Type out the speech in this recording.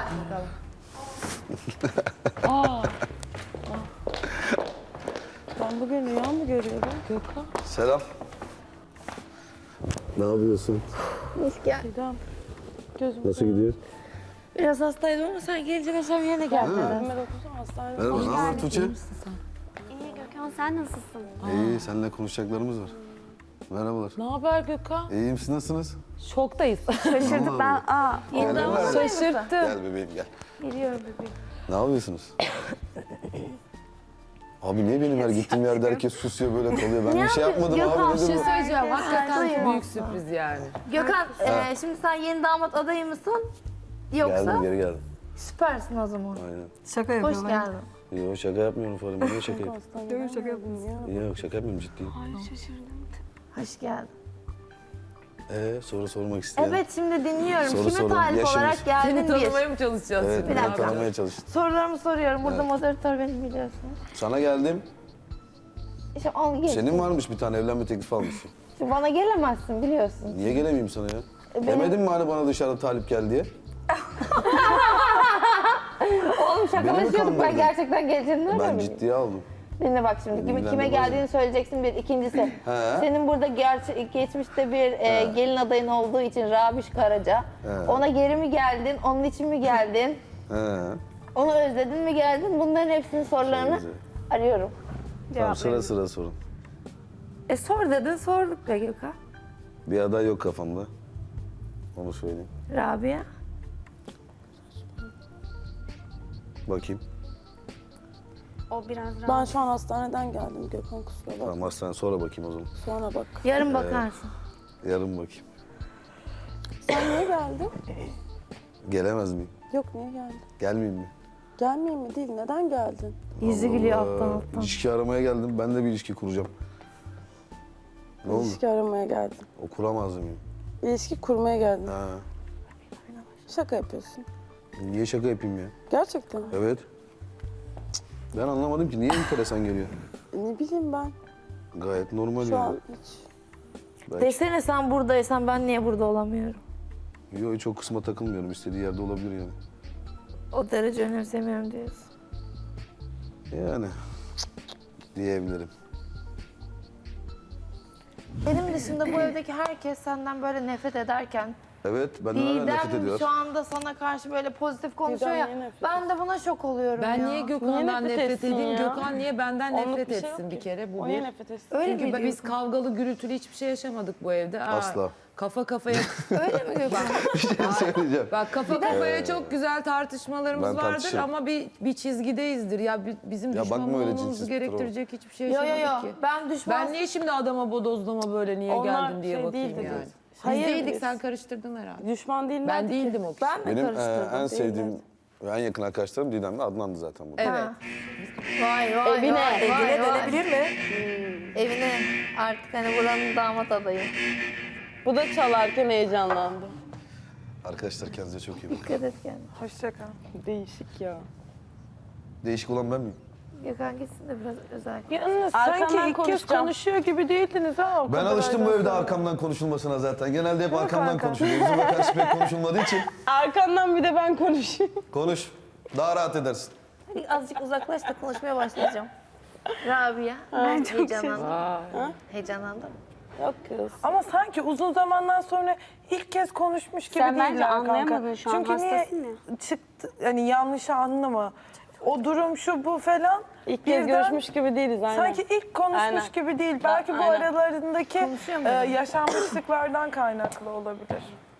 Aa. Ben bugün rüya mı görüyorum Gökhan? Selam. Ne yapıyorsun? Hoş geldin. Gidem. Gözüm Nasıl gidiyor? Biraz hastaydım ama sen gelince akşam yerine geldin. Ömer okusun hastanede. Merhaba, ne haber Tuğçe? İyi Gökhan, sen nasılsın? İyi, seninle konuşacaklarımız var. Merhabalar. Ne haber Gökhan? İyiyim, siz nasılsınız? Şoktayız. Şaşırdık ben. Gel, gel. Şaşırttı. Gel bebeğim gel. Geliyorum bebeğim. Ne yapıyorsunuz? Abi niye benim her gittiğim yerde herkes susuyor böyle kalıyor? Ben bir şey yapmadım Gökhan, abi. bir Nedir şey bu? Söyleyeceğim hakikaten Duyuyor. büyük sürpriz yani. Gökhan, şimdi sen yeni damat adayı mısın? Yoksa? Geldim, geri geldim. Süpersin o zaman. Aynen. Şaka Hoş geldin. Yok şaka yapmıyorum Farim. Niye şaka yapayım? Yok şaka yapmıyorum ya. Yok şaka yapmıyorum ciddiyim. Hoş geldin. Soru sormak isteyen. Evet, şimdi dinliyorum. Soru Kime sorun. talip Yaşınız. olarak geldin Seni bir? tanımaya mı çalışacağız Evet, şimdi? Bir beni dakika. tanımaya çalıştın. Sorularımı soruyorum. Burada moderatör benim biliyorsunuz. Sana geldim. İşte al gel. Senin varmış bir tane evlenme teklifi almışsın. Şimdi bana gelemezsin biliyorsun. Niye gelemeyeyim sana ya? Benim- Demedin mi hani bana dışarıda talip gel diye? Oğlum Beni mi şakalaşıyorduk, ben kandırdın? gerçekten geleceğini Ben nereden ciddiye aldım. Dinle bak şimdi, kime ilgilendirmez geldiğini mi? söyleyeceksin bir. İkincisi, He. senin burada geçmişte bir gelin adayın olduğu için Rabiş Karaca. He. Ona geri mi geldin, onun için mi geldin, He. onu özledin mi geldin? Bunların hepsinin sorularını güzel. arıyorum. Tamam sıra sıra sorun. Sor dedin, sorduk be Gökhan. Bir aday yok kafamda. Onu söyleyeyim. Rabia. Bakayım. O biraz rahat. Ben şu an hastaneden geldim Gökhan, kusura bakma. Tamam hastane sonra bakayım o zaman. Sonra bak. Yarın bakarsın. Yarın bakayım. Sen niye geldin? Gelemez miyim? Yok niye geldin? Gelmeyeyim mi? Gelmeyeyim mi değil, neden geldin? Yüzü gülüyor alttan alttan. İlişki aramaya geldim. Ben de bir ilişki kuracağım. Ne oldu? İlişki aramaya geldin. O kuramaz mıyım? İlişki kurmaya geldin. Ha. Şaka yapıyorsun. Niye şaka yapayım ya? Gerçekten mi? Evet. Ben anlamadım ki niye enteresan geliyor? Ne bileyim ben. Gayet normal Şu yani. an hiç. Belki. Desene sen buradaysan ben niye burada olamıyorum? Yok hiç o kısma takılmıyorum. İstediği yerde olabilir yani. O derece önemsemiyorum diyorsun. Yani diyebilirim. Benim dışında bu evdeki herkes senden böyle nefret ederken Evet benden hala nefret Didem ediyor. şu anda sana karşı böyle pozitif konuşuyor Didem ya. niye nefret Ben de buna şok oluyorum Ben ya. niye Gökhan'dan Niye nefret nefret etsin edeyim? ya? Gökhan niye benden Onluk nefret bir şey etsin yok bir ki. kere? Bu O niye bir. nefret etsin? Öyle mi Çünkü biz diyorsun? kavgalı gürültülü hiçbir şey yaşamadık bu evde. Asla. Kafa kafaya Öyle mi Gökhan? Bir şey söyleyeceğim. bak kafa kafaya çok güzel tartışmalarımız Ben vardır tartışırım. ama bir çizgideyizdir. Ya bizim Ya düşman bakma öyle olmamızı cinsiz gerektirecek hiçbir şey Yo yaşamadık yo yo. ki. Ben düşman... Ben niye şimdi adama bodozlama böyle niye Onlar geldin diye şey bakayım değildi yani. biz. Biz Hayır, değildik biz- sen karıştırdın herhalde. Düşman değiller Ben ki. değildim o kişi. Ben de Benim karıştırdım. en sevdiğim ve en yakın arkadaşlarım Didem'le Adnan'dı zaten burada. Evet. Vay vay Evine, vay, evine vay, vay. dönebilir mi? Evine artık hani buranın damat adayı. Bu da çalarken heyecanlandı. Arkadaşlar kendinize çok iyi bakın. Dikkat et kendine. Hoşça kal. Değişik ya. Değişik olan ben miyim? Gökhan gitsin de biraz özel. Yalnız Arkandan sanki ilk kez konuşacağım. konuşuyor gibi değildiniz ha o Ben kadar alıştım bu aydan evde sonra. arkamdan konuşulmasına zaten. Genelde hep arkamdan kanka? konuşuluyor. Yüzüme karşı pek konuşulmadığı için Arkandan bir de ben konuşayım. konuş. Daha rahat edersin. Hadi azıcık uzaklaş da konuşmaya başlayacağım. Rabia. Ben çok heyecanlandım. Heyecanlandım. Yok kız. Ama sanki uzun zamandan sonra ilk kez konuşmuş gibi Sen değiller bence kanka. anlayamadın şu an, Çünkü niye hastasın ya. çıktı, hani yanlış anlama. O durum şu bu falan. İlk kez birden görüşmüş gibi değiliz aynen. Sanki ilk konuşmuş Aynen. gibi değil. Belki bu aynen. aralarındaki Konuşuyor muydun? yaşanmışlıklardan kaynaklı olabilir.